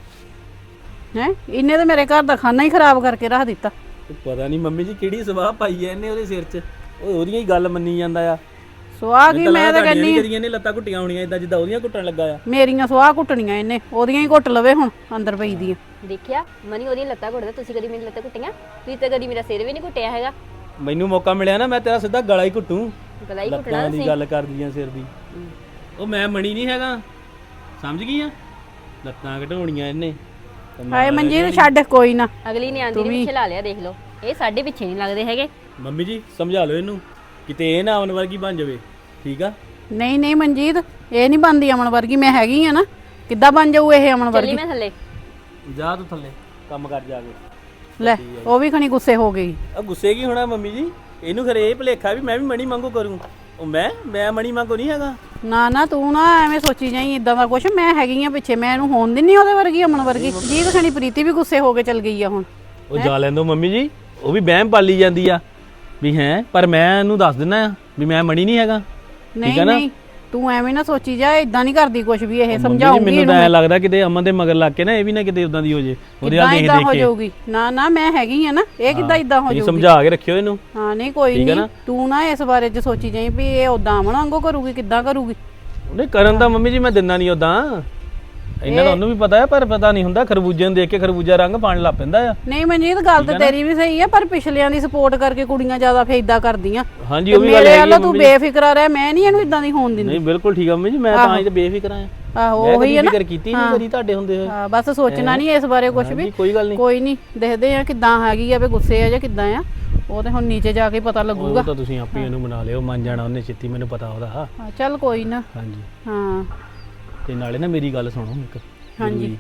B: ਹੈ, ਇਹਨੇ ਤਾਂ ਮੇਰੇ ਘਰ ਦਾ ਖਾਣਾ ਹੀ ਖਰਾਬ ਕਰਕੇ ਰੱਖ ਦਿੱਤਾ।
D: ਪਤਾ ਨਹੀਂ ਮੰਮੀ ਜੀ ਕਿਹੜੀ ਸਵਾਹ ਪਾਈ ਐ ਇਹਨੇ ਉਹਦੇ ਸਿਰ 'ਚ, ਉਹ ਉਹਦੀਆਂ ਹੀ ਗੱਲ ਮੰਨੀ ਜਾਂਦਾ ਆ।
B: ਸੁਆਹ ਕੀ ਮੈਂ ਤਾਂ ਕਹਿੰਨੀ
D: ਕਰੀਆਂ ਨੇ ਲੱਤਾਂ ਘੁੱਟੀਆਂ ਹੋਣੀਆਂ ਇਦਾਂ ਜਿੱਦਾਂ ਉਹਦੀਆਂ ਘੁੱਟਣ ਲੱਗਾ ਆ।
B: ਮੇਰੀਆਂ ਸੁਆਹ ਕੁੱਟਣੀਆਂ ਇਹਨੇ, ਉਹਦੀਆਂ ਹੀ ਘੁੱਟ ਲਵੇ ਹੁਣ ਅੰਦਰ ਪਈ ਦੀਆਂ।
E: ਦੇਖਿਆ ਮਨੀ ਉਹਦੀਆਂ ਲੱਤਾਂ ਘੁੱਟਦਾ, ਤੁਸੀਂ ਕਦੀ ਮੇਰੀ ਲੱਤਾਂ ਘੁੱਟੀਆਂ? ਤੁਸੀਂ ਤਾਂ ਕਦੀ ਮੇਰਾ ਸਿਰ ਵੀ ਨਹੀਂ ਘੁੱਟਿਆ ਹੈਗਾ।
D: ਮੈਨੂੰ ਮੌਕਾ ਮਿਲਿਆ ਨਾ ਮੈਂ ਤੇਰਾ ਸਿੱਧਾ ਗਲਾ ਹੀ ਘੁੱਟੂ।
E: ਗਲਾ ਹੀ ਘੁੱਟਣਾ
D: ਲੱਤਾਂ ਦੀ
E: ਸੀ।
D: ਗੱਲ ਕਰਦੀਆਂ ਸਿਰ ਦੀ। ਉਹ ਮੈਂ ਮਣੀ ਨਹੀਂ ਹੈਗਾ, ਸਮਝ ਗਈ ਆ? ਲੱਤਾਂ ਘਟਾਉਣੀਆਂ ਇਹਨੇ।
B: ਹਾਏ ਮਨਜੀਤ ਛੱਡ, ਕੋਈ ਨਾ।
E: ਅਗਲੀ ਨੇ ਆਂਦੀ ਨੇ ਪਿੱਛੇ ਲਾ ਲਿਆ, ਦੇਖ ਲਓ। ਇਹ ਸਾਡੇ ਪਿੱਛੇ ਨਹੀਂ ਲੱਗਦੇ ਹੈਗੇ।
D: ਮੰਮੀ ਜੀ ਸਮਝਾ ਲਓ ਇਹਨੂੰ, ਕਿਤੇ ਇਹ ਨਾ ਅਮਨ ਵਰਗੀ ਬਣ ਜਾਵੇ, ਠੀਕ ਆ?
B: ਨਹੀਂ ਨਹੀਂ ਮਨਜੀਤ, ਇਹ ਨਹੀਂ ਬਣਦੀ ਅਮਨ ਵਰਗੀ, ਮੈਂ ਹੈਗੀ ਆ ਨਾ। ਕਿੱਦਾਂ ਬਣ ਜਾਊ ਇਹ ਅਮਨ
E: ਚੱਲੀ
B: ਵਰਗੀ?
E: ਮੈਂ ਥੱਲੇ।
D: ਜਾ ਤੂੰ ਥੱਲੇ ਕੰਮ ਕਰ ਜਾ ਕੇ।
B: ਲੈ ਉਹ ਵੀ ਖਣੀ ਗੁੱਸੇ ਹੋ ਗਈ।
D: ਆ ਗੁੱਸੇ ਕੀ ਹੋਣਾ ਮੰਮੀ ਜੀ, ਇਹਨੂੰ ਖਰੇ ਇਹ ਭੁਲੇਖਾ ਵੀ ਮੈਂ ਵੀ ਮਣੀ ਮੰਗੋ ਕਰੂੰ। ਉਹ ਮੈਂ ਮੈਂ ਮਣੀ ਮੰਗੋ ਨਹੀਂ ਹੈਗਾ।
B: ਨਾ ਨਾ ਤੂੰ ਨਾ ਐਵੇਂ ਸੋਚੀ ਜਾਈ ਇਦਾਂ ਦਾ ਕੁਛ, ਮੈਂ ਹੈਗੀ ਆ ਪਿੱਛੇ, ਮੈਂ ਇਹਨੂੰ ਹੋਣ ਦਿੰਨੀ ਉਹਦੇ ਵਰਗੀ ਅਮਨ ਵਰਗੀ। ਜੀਤ ਖਣੀ ਪ੍ਰੀਤੀ ਵੀ ਗੁੱਸੇ ਹੋ ਕੇ ਚਲ ਗਈ ਆ ਹੁਣ।
D: ਉਹ ਜਾ ਲੈਂਦੋ ਮੰਮੀ ਜੀ, ਉਹ ਵੀ ਵਹਿਮ ਪਾਲੀ ਜਾਂਦੀ ਆ ਵੀ ਹੈ, ਪਰ ਮੈਂ ਇਹਨੂੰ ਦੱਸ ਦਿੰਦਾ ਆ ਵੀ ਮੈਂ ਮਣੀ ਨਹੀਂ ਹੈਗਾ।
B: ਨਹੀਂ ਨਹੀਂ ਤੂੰ ਐਵੇਂ ਨਾ ਸੋਚੀ ਜਾ, ਇਦਾਂ ਨਹੀਂ ਕਰਦੀ ਕੁਛ ਵੀ। ਇਹ
D: ਮੰਮੀ ਜੀ,
B: ਸਮਝਾਉਂਗੀ
D: ਮੈਨੂੰ ਤਾਂ ਐ ਲੱਗਦਾ ਕਿਤੇ ਅਮਨ ਦੇ ਮਗਰ ਲੱਗ ਕੇ ਨਾ ਇਹ ਵੀ ਨਾ ਕਿਤੇ ਉਦਾਂ ਦੀ ਹੋ ਜੇ, ਉਹਦੇ
B: ਕਿੱਦਾਂ
D: ਹਾਲ ਦੇਖ
B: ਇਦਾਂ ਹੋ
D: ਦੇਖ ਕੇ।
B: ਜਾਊਗੀ? ਨਾ ਨਾ ਮੈਂ ਹੈਗੀ ਆ ਨਾ, ਇਹ ਕਿੱਦਾਂ ਇਦਾਂ ਹੋ
D: ਤੁਸੀਂ
B: ਜਾਊਗੀ?
D: ਸਮਝਾ ਕੇ ਰੱਖਿਓ ਇਹਨੂੰ।
B: ਹਾਂ ਨਹੀਂ ਕੋਈ
D: ਠੀਕ ਹੈ
B: ਨਹੀਂ,
D: ਨਾ?
B: ਤੂੰ ਨਾ ਇਸ ਬਾਰੇ ਚ ਸੋਚੀ ਜਾਈ ਵੀ ਇਹ ਉਦਾਂ ਅਮਨ ਵਾਂਗੂ ਕਰੂਗੀ, ਕਿੱਦਾਂ ਕਰੂਗੀ।
D: ਉਹਨੇ ਕਰਨ ਦਾ ਮੰਮੀ ਜੀ ਮੈਂ ਦਿੰਦਾ ਨਹੀਂ ਉਦਾਂ, ਇਹਨਾਂ ਦਾ ਉਹਨੂੰ ਵੀ ਪਤਾ ਹੈ, ਪਰ ਪਤਾ ਨਹੀਂ ਹੁੰਦਾ ਖਰਬੂਜੇ ਨੂੰ ਦੇਖ ਕੇ ਖਰਬੂਜਾ ਰੰਗ ਪਾਣ ਲੱਗ ਪੈਂਦਾ ਆ।
B: ਨਹੀਂ ਮਨਜੀਤ ਗੱਲ ਤਾਂ ਤੇਰੀ ਵੀ ਸਹੀ ਆ, ਪਰ ਪਿਛਲਿਆਂ ਦੀ ਸਪੋਰਟ ਕਰਕੇ ਕੁੜੀਆਂ ਜ਼ਿਆਦਾ ਫੇਦਾ ਕਰਦੀਆਂ।
D: ਹਾਂਜੀ ਉਹ ਵੀ ਗੱਲ
B: ਮੇਰੇ
D: ਹੈਗੀ
B: ਵੱਲੋਂ
D: ਆ
B: ਤੂੰ
D: ਮੰਮੀ ਜੀ।
B: ਬੇਫਿਕਰਾ ਰਹਿ, ਮੈਂ ਨਹੀਂ ਇਹਨੂੰ ਇਦਾਂ ਦੀ ਹੋਣ ਦਿੰਦੀ।
D: ਨਹੀਂ ਬਿਲਕੁਲ ਠੀਕ ਆ ਮੰਮੀ ਜੀ, ਮੈਂ ਤਾਂ ਹੀ ਤੇ ਬੇਫਿਕਰ ਆ।
B: ਆਹੋ
D: ਮੈਂ
B: ਉਹੀ
D: ਕਦੀ
B: ਹੈ ਨਾ,
D: ਫਿਕਰ ਕੀਤੀ ਨਹੀਂ ਕਰੀ ਤੁਹਾਡੇ ਹੁੰਦੇ ਹੋਏ।
B: ਹਾਂ ਬਸ ਸੋਚਣਾ ਨਹੀਂ ਇਸ ਬਾਰੇ ਕੁਝ ਵੀ।
D: ਹਾਂਜੀ, ਕੋਈ ਗੱਲ ਨਹੀਂ।
B: ਕੋਈ ਨਹੀਂ, ਦੇਖਦੇ ਆ ਕਿੱਦਾਂ ਹੈਗੀ ਆ, ਵੀ ਗੁੱਸੇ ਆ ਜਾਂ ਕਿੱਦਾਂ ਆ। ਉਹ ਤੇ ਹੁਣ ਨੀਚੇ ਜਾ ਕੇ ਪਤਾ ਲੱਗੂਗਾ।
D: ਉਹ ਤਾਂ ਤੁਸੀਂ ਆਪੇ ਇਹਨੂੰ ਮਨਾ ਲਿਓ, ਮੰਨ ਜਾਣਾ ਉਹਨੇ ਛੇਤੀ, ਮੈਨੂੰ ਪਤਾ ਉਹਦਾ।
B: ਹਾਂ ਚੱਲ ਕੋਈ ਨਾ।
D: ਹਾਂਜੀ
B: ਹਾਂ
D: ਤੇ ਨਾਲੇ ਨਾ ਮੇਰੀ ਗੱਲ ਸੁਣੋ ਇੱਕ।
B: ਹਾਂਜੀ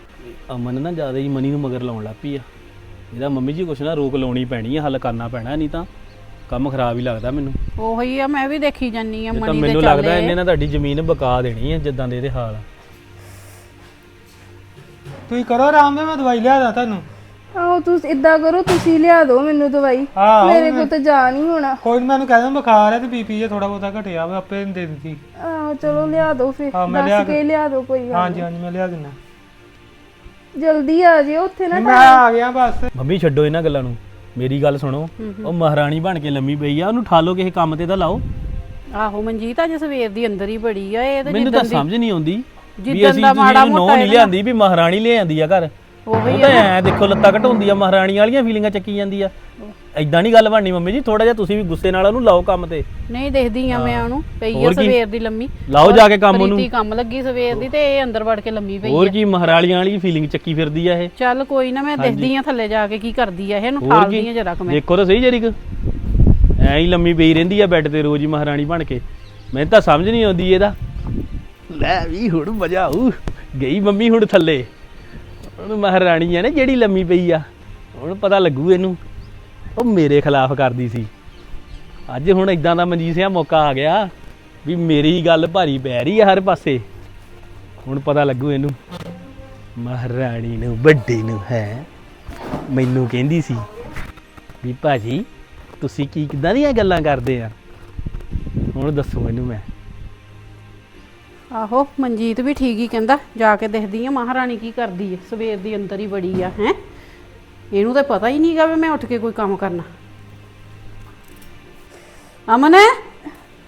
D: ਅਮਨ ਨਾ ਜ਼ਿਆਦਾ ਹੀ ਮਨੀ ਨੂੰ ਮਗਰ ਲਾਉਣ ਲੱਗ ਪਈ ਆ। ਇਹਦਾ ਮੰਮੀ ਜੀ ਕੁਛ ਨਾ ਰੋਕ ਲਾਉਣੀ ਪੈਣੀ ਆ, ਹੱਲ ਕਰਨਾ ਪੈਣਾ, ਨਹੀਂ ਤਾਂ ਕੰਮ ਖਰਾਬ ਹੀ ਲੱਗਦਾ ਮੈਨੂੰ।
B: ਉਹੀ ਆ, ਮੈਂ ਵੀ ਦੇਖੀ ਜਾਨੀ ਆ
D: ਇਹ ਤਾਂ
B: ਮਨੀ ਦੇ
D: ਮੈਨੂੰ ਲੱਗਦਾ
B: ਚੱਲੇ।
D: ਇਹਨੇ ਨਾ ਤੁਹਾਡੀ ਜ਼ਮੀਨ ਬਕਾ ਦੇਣੀ ਆ ਜਿੱਦਾਂ ਦੇ ਇਹਦੇ ਹਾਲ ਆ।
C: ਤੁਸੀਂ ਕਰੋ ਆਰਾਮ ਨਾਲ, ਮੈਂ ਦਵਾਈ ਲਿਆ ਦਾਂ ਤੁਹਾਨੂੰ।
A: ਆਹੋ ਤੁਸੀਂ ਇਦਾਂ ਕਰੋ, ਤੁਸੀਂ ਲਿਆ ਦਿਓ ਮੈਨੂੰ ਦਵਾਈ,
C: ਆਹੋ,
A: ਮੇਰੇ ਕੋਲ ਤਾਂ ਜਾ ਨਹੀਂ ਹੋਣਾ।
C: ਕੋਈ ਨੀ, ਮੈਨੂੰ ਕਹਿ ਦਿੰਦਾ ਬੁਖਾਰ ਹੈ ਤੇ ਬੀਪੀ ਜੇ ਥੋੜਾ ਬਹੁਤਾ ਘਟਿਆ ਵਾ, ਆਪੇ ਦੇ ਦਿੱਤੀ।
A: ਆਹੋ ਚਲੋ ਲਿਆ ਦਿਓ ਫਿਰ,
C: ਹਾਂ, ਮੈਂ ਲਿਆ
A: ਦੱਸ ਕੇ ਲਿਆ ਦਿਓ, ਕੋਈ ਗੱਲ
C: ਹਾਂਜੀ ਹਾਂਜੀ ਮੈਂ ਲਿਆ ਦਿੰਦਾ।
A: ਨੀ। ਜਲਦੀ ਆ ਜਿਓ ਉੱਥੇ ਨਾ।
C: ਮੈਂ ਆ ਗਿਆ ਬਸ।
D: ਮੰਮੀ ਛੱਡੋ ਇਹਨਾਂ ਗੱਲਾਂ ਨੂੰ, ਮੇਰੀ ਗੱਲ ਸੁਣੋ। ਉਹ ਮਹਾਰਾਣੀ ਬਣ ਕੇ ਲੰਮੀ ਪਈ ਆ, ਉਹਨੂੰ ਠਾਲੋ ਕਿਸੇ ਕੰਮ ਤੇ ਤਾਂ ਲਾਓ।
B: ਆਹੋ ਮਨਜੀਤ ਅੱਜ ਸਵੇਰ ਦੀ ਅੰਦਰ ਹੀ ਬੜੀ ਆ ਇਹ ਤੇ।
D: ਮੈਨੂੰ ਤਾਂ ਸਮਝ ਨਹੀਂ ਆਉਂਦੀ ਵੀ
B: ਜਿੱਦਣ
D: ਅਸੀਂ
B: ਦਾ ਮਾੜਾ
D: ਨੋ
B: ਮੋਟਾ
D: ਨਹੀਂ ਲਿਆਂਦੀ ਵੀ ਮਹਾਰਾਣੀ ਲੈ ਆਂਦੀ ਆ ਘਰ।
B: ਉਹੀ
D: ਉਹ ਤਾਂ ਐ ਦੇਖੋ ਲੱਤਾਂ ਘਟਾਉਂਦੀ ਆ, ਮਹਾਰਾਣੀ ਵਾਲੀਆਂ ਫੀਲਿੰਗਾਂ ਚੱਕੀ ਜਾਂਦੀ ਆ। ਐਦਾਂ ਨਹੀਂ ਗੱਲ ਬਣਨੀ ਮੰਮੀ ਜੀ, ਥੋੜਾ ਜਿਹਾ ਤੁਸੀਂ ਵੀ ਗੁੱਸੇ ਨਾਲ ਉਹਨੂੰ ਲਾਓ ਕੰਮ ਤੇ।
B: ਨਹੀਂ ਦੇਖਦੀ ਆ ਮੈਂ ਉਹਨੂੰ, ਪਈ ਆ
D: ਹੋਰ ਕੀ?
B: ਸਵੇਰ ਦੀ ਲੰਮੀ।
D: ਲਾਓ ਜਾ ਕੇ ਕੰਮ ਉਹਨੂੰ।
B: ਪ੍ਰੀਤੀ ਕੰਮ ਲੱਗੀ ਸਵੇਰ ਦੀ ਤੇ ਇਹ ਅੰਦਰ ਵੜ ਕੇ ਲੰਮੀ ਪਈ
D: ਹੋਰ
B: ਆ।
D: ਕੀ ਮਹਾਰਾਣੀਆਂ ਵਾਲੀ ਫੀਲਿੰਗ ਚੱਕੀ ਫਿਰਦੀ ਆ ਇਹ।
B: ਚੱਲ ਕੋਈ ਨਾ, ਮੈਂ ਦੇਖਦੀ ਆ ਥੱਲੇ ਜਾ ਕੇ ਕੀ ਕਰਦੀ ਆ ਇਹ, ਇਹਨੂੰ
D: ਹੋਰ
B: ਠਾਲਦੀ
D: ਕੀ?
B: ਆ ਜਰਾ ਕੁ ਮੈਂ।
D: ਦੇਖੋ ਤਾਂ ਸਹੀ ਜਰੀ ਕੁ ਐਂ ਹੀ ਲੰਮੀ ਪਈ ਰਹਿੰਦੀ ਆ ਬੈੱਡ ਤੇ ਰੋਜ਼ ਹੀ ਮਹਾਰਾਣੀ ਬਣ ਕੇ। ਮੈਨੂੰ ਤਾਂ ਸਮਝ ਨਹੀਂ ਆਉਂਦੀ ਇਹਦਾ। ਲੈ ਵੀ ਹੁਣ ਮਜ਼ਾ ਆਊ, ਗਈ ਮੰਮੀ ਹੁਣ ਥੱਲੇ। ਹੁਣ ਮਹਾਰਾਣੀ ਆ ਨਾ ਜਿਹੜੀ ਲੰਮੀ ਪਈ ਆ, ਹੁਣ ਪਤਾ ਲੱਗੂ ਇਹਨੂੰ। ਉਹ ਮੇਰੇ ਖਿਲਾਫ ਕਰਦੀ ਸੀ, ਅੱਜ ਹੁਣ ਇਦਾਂ ਦਾ ਮਨਜੀਤ ਸਿੰਘ ਮੌਕਾ ਆ ਗਿਆ ਵੀ ਮੇਰੀ ਗੱਲ ਭਾਰੀ ਪੈ ਰਹੀ ਆ ਹਰ ਪਾਸੇ। ਹੁਣ ਪਤਾ ਲੱਗੂ ਇਹਨੂੰ। ਮਹਾਰਾਣੀ ਨੂੰ ਵੱਡੇ ਨੂੰ ਹੈ ਮੈਨੂੰ ਕਹਿੰਦੀ ਸੀ ਵੀ ਭਾਜੀ ਤੁਸੀਂ ਕੀ ਕਿੱਦਾਂ ਦੀਆਂ ਗੱਲਾਂ ਕਰਦੇ ਆ। ਹੁਣ ਦੱਸੋ ਇਹਨੂੰ ਮੈਂ।
B: ਆਹੋ ਮਨਜੀਤ ਵੀ ਠੀਕ ਹੀ ਕਹਿੰਦਾ, ਜਾ ਕੇ ਦੇਖਦੀ ਆ ਮਹਾਰਾਣੀ ਕੀ ਕਰਦੀ ਹੈ। ਸਵੇਰ ਦੀ ਅੰਦਰ ਹੀ ਬੜੀ ਆ ਹੈ, ਇਹਨੂੰ ਤਾਂ ਪਤਾ ਹੀ ਨਹੀਂਗਾ ਵੀ ਮੈਂ ਉੱਠ ਕੇ ਕੋਈ ਕੰਮ ਕਰਨਾ। ਅਮਨ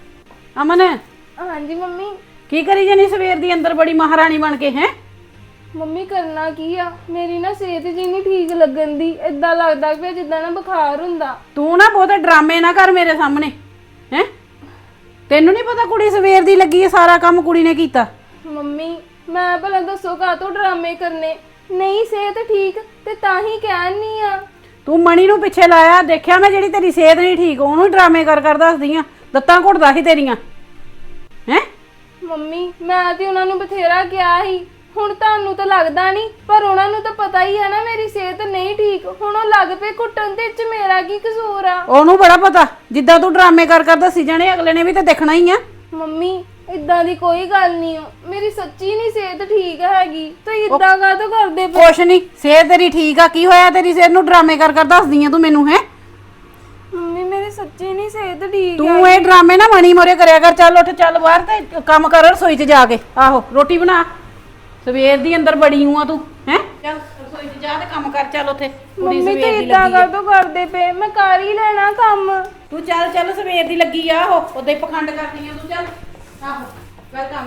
B: ਅਮਨ
A: ਹਾਂਜੀ ਮੰਮੀ।
B: ਕੀ ਕਰੀ ਜਾਨੀ ਸਵੇਰ ਦੀ ਅੰਦਰ ਬੜੀ ਮਹਾਰਾਣੀ ਬਣ ਕੇ ਹੈ?
A: ਮੰਮੀ ਕਰਨਾ ਕੀ ਆ, ਮੇਰੀ ਨਾ ਸਿਹਤ ਜੀ ਨਹੀਂ ਠੀਕ ਲੱਗਣ ਦੀ, ਏਦਾਂ ਲੱਗਦਾ ਪਿਆ ਜਿੱਦਾਂ ਨਾ ਬੁਖਾਰ ਹੁੰਦਾ।
B: ਤੂੰ ਨਾ ਬਹੁਤੇ ਡਰਾਮੇ ਨਾ ਕਰ ਮੇਰੇ ਸਾਹਮਣੇ ਹੈ। ਤੈਨੂੰ ਨਹੀਂ ਪਤਾ ਕੁੜੀ ਸਵੇਰ ਦੀ ਲੱਗੀ ਹੈ, ਸਾਰਾ ਕੰਮ ਕੁੜੀ ਨੇ ਕੀਤਾ।
A: ਮੰਮੀ ਮੈਂ ਭਲਾ ਦੱਸੋ ਕਾਹਤੋਂ ਡਰਾਮੇ ਕਰਨੇ, ਨਹੀਂ ਸਿਹਤ ਠੀਕ ਤੇ ਤਾਂ ਹੀ ਕਹਿਣੀ ਆ।
B: ਤੂੰ ਮਣੀ ਨੂੰ ਪਿੱਛੇ ਲਾਇਆ, ਦੇਖਿਆ ਮੈਂ ਜਿਹੜੀ ਤੇਰੀ ਸਿਹਤ ਨਹੀਂ ਠੀਕ ਉਹਨੂੰ ਡਰਾਮੇ ਕਰ ਕਰ ਦੱਸਦੀ ਆ, ਲੱਤਾਂ ਘੁੱਟਦਾ ਸੀ ਤੇਰੀਆਂ ਹੈ।
A: ਮੰਮੀ ਮੈਂ ਤੇ ਉਹਨਾਂ ਨੂੰ ਬਥੇਰਾ ਕਿਹਾ ਸੀ, ਹੁਣ ਤੁਹਾਨੂੰ ਤਾਂ ਲੱਗਦਾ ਨਹੀਂ ਪਰ ਉਹਨਾਂ ਨੂੰ ਤਾਂ ਪਤਾ ਹੀ ਹੈ ਨਾ ਮੇਰੀ ਸਿਹਤ ਨਹੀਂ ਠੀਕ, ਹੁਣ ਉਹ ਲੱਗ ਪਏ ਘੁੱਟਣ ਤੇ ਚ ਮੇਰਾ ਕੀ ਕਸੂਰ ਆ।
B: ਉਹਨੂੰ ਬੜਾ ਪਤਾ, ਜਿੱਦਾਂ ਤੂੰ ਡਰਾਮੇ ਕਰ ਕਰ ਦੱਸੀ ਜਾਣੇ ਅਗਲੇ ਨੇ ਵੀ ਤਾਂ ਦੇਖਣਾ ਹੀ ਆ।
A: ਮੰਮੀ ਇਦਾਂ ਦੀ ਕੋਈ ਗੱਲ ਨਹੀਂ ਓ, ਮੇਰੀ ਸੱਚੀ ਨਹੀਂ ਸਿਹਤ ਠੀਕ ਹੈਗੀ, ਤੁਸੀਂ ਇਦਾਂ ਕਾਹਤੋਂ ਕਰਦੇ ਪਏ?
B: ਕੁਛ ਨਹੀਂ, ਸਿਹਤ ਤੇਰੀ ਠੀਕ ਆ, ਕੀ ਹੋਇਆ ਤੇਰੀ ਸਿਹਤ ਨੂੰ ਡਰਾਮੇ ਕਰ ਕਰ ਦੱਸਦੀ ਆ ਤੂੰ ਮੈਨੂੰ ਹੈ।
A: ਮੰਮੀ ਮੇਰੀ ਸੱਚੀ ਨਹੀਂ ਸਿਹਤ ਠੀਕ
B: ਤੂੰ ਇਹ ਡਰਾਮੇ ਨਾ ਮਣੀ ਮੋਰੇ ਕਰਿਆ ਕਰ, ਚੱਲ ਉੱਠ ਚੱਲ ਬਾਹਰ ਤੇ ਕੰਮ ਕਰ ਰਸੋਈ 'ਚ ਜਾ ਕੇ। ਆਹੋ ਰੋਟੀ ਬਣਾ, ਸਵੇਰ ਦੀ ਅੰਦਰ ਬੜੀ ਹੂੰ ਆ ਤੂੰ ਹੈ। ਚੱਲ ਰਸੋਈ 'ਚ ਜਾ ਤੇ ਕੰਮ ਕਰ, ਚੱਲ ਉੱਥੇ ਕੁੜੀ
A: ਮੰਮੀ
B: ਸਵੇਰ
A: ਤੇ
B: ਦੀ
A: ਇਦਾਂ
B: ਲੱਗੀ ਆ।
A: ਕਾਹਤੋਂ ਕਰਦੇ ਪਏ, ਮੈਂ ਕਰ ਹੀ ਲੈਣਾ ਕੰਮ।
B: ਤੂੰ ਚੱਲ ਚੱਲ ਸਵੇਰ ਦੀ ਲੱਗੀ ਆ, ਉਹ ਉਦਾਂ ਹੀ ਪਖੰਡ ਕਰਦੀ ਆ ਤੂੰ, ਚੱਲ ਆਹੋ ਕਰ ਕੰਮ।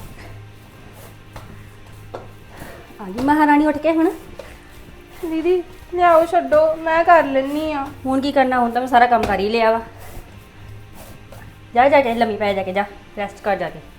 E: ਆ ਗਈ ਮਹਾਰਾਣੀ ਉੱਠ ਕੇ ਹੁਣ।
A: ਦੀਦੀ ਲਿਆਓ ਛੱਡੋ, ਮੈਂ ਕਰ ਲੈਣੀ ਆ।
E: ਹੁਣ ਕੀ ਕਰਨਾ, ਹੁਣ ਤਾਂ ਮੈਂ ਸਾਰਾ ਕੰਮ ਕਰ ਹੀ ਲਿਆ ਵਾ। ਜਾ ਜਾ ਕੇ ਲੰਮੀ ਪੈ ਜਾ ਕੇ, ਜਾ ਰੈਸਟ ਕਰ ਜਾ ਕੇ।